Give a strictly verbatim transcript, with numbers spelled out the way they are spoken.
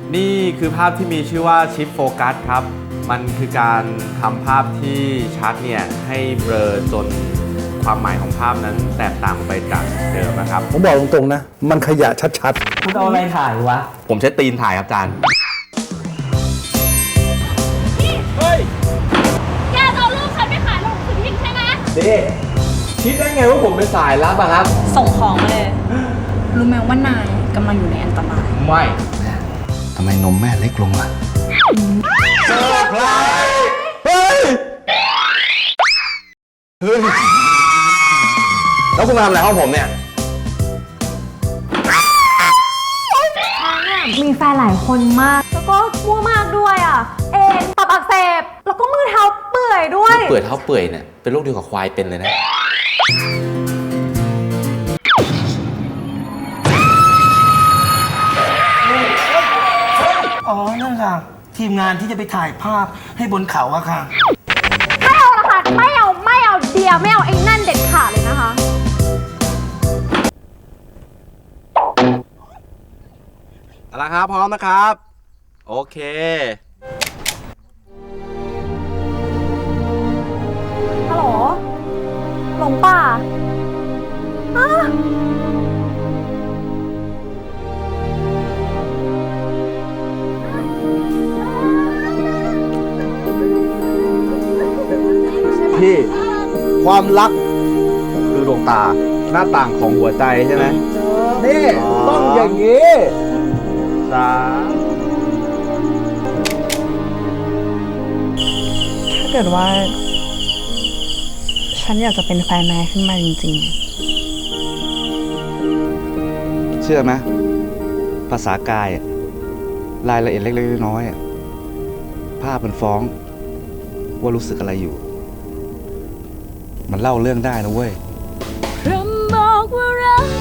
นี่คือภาพที่มีชื่อว่าชิปโฟกัสครับมันคือการทำภาพที่ชัดเนี่ยให้เบลอจนความหมายของภาพนั้นแตกต่างไปจากเดิมนะครับผมบอกตรงๆนะมันขยะชัดๆคุณเอาอะไรถ่ายวะผมใช้ตีนถ่ายครับอาจารย์เฮ้ยแกเอารูปฉันไปขายลงสือพิมพ์ใช่ไหมเด้คิดได้ไงว่าผมเป็นสายลับอะครับส่งของมาเลยรู้ไหมว่านายกำลังอยู่ในอันตรายไม่ทำไมนมแม่เล็กลงล่ะเซอร์ไพรส์เฮ้ยเฮ้ยแล้วคุณมาทำอะไรห้องผมเนี่ยมีแฟนหลายคนมากแล้วก็มั่วมากด้วยอ่ะเอ็นตับอักเสบแล้วก็มือเท้าเปื่อยด้วยเปื่อยเท้าเปื่อยเนี่ยเป็นโรคเดียวกับควายเป็นเลยนะอ๋อนั่นค่ะทีมงานที่จะไปถ่ายภาพให้บนเขาอะค่ะไม่เอาละค่ะไม่เอาไม่เอาเดียไม่เอาไอ้นั่นเด็ดขาดเลยนะคะเอาละครับพร้อมนะครับโอเคฮัลโหลหลงป่าฮะพี่ความรักคือดวงตาหน้าต่างของหัวใจใช่ไหมนี่ต้องอย่างนี้สามถ้าเกิดว่าฉันอยากจะเป็นแฟนนายขึ้นมาจริงเชื่อไหมภาษากายรายละเอียดเล็กๆน้อยๆภาพมันฟ้องว่ารู้สึกอะไรอยู่มันเล่าเรื่องได้นะเว้ยพรำบอกว่ารัก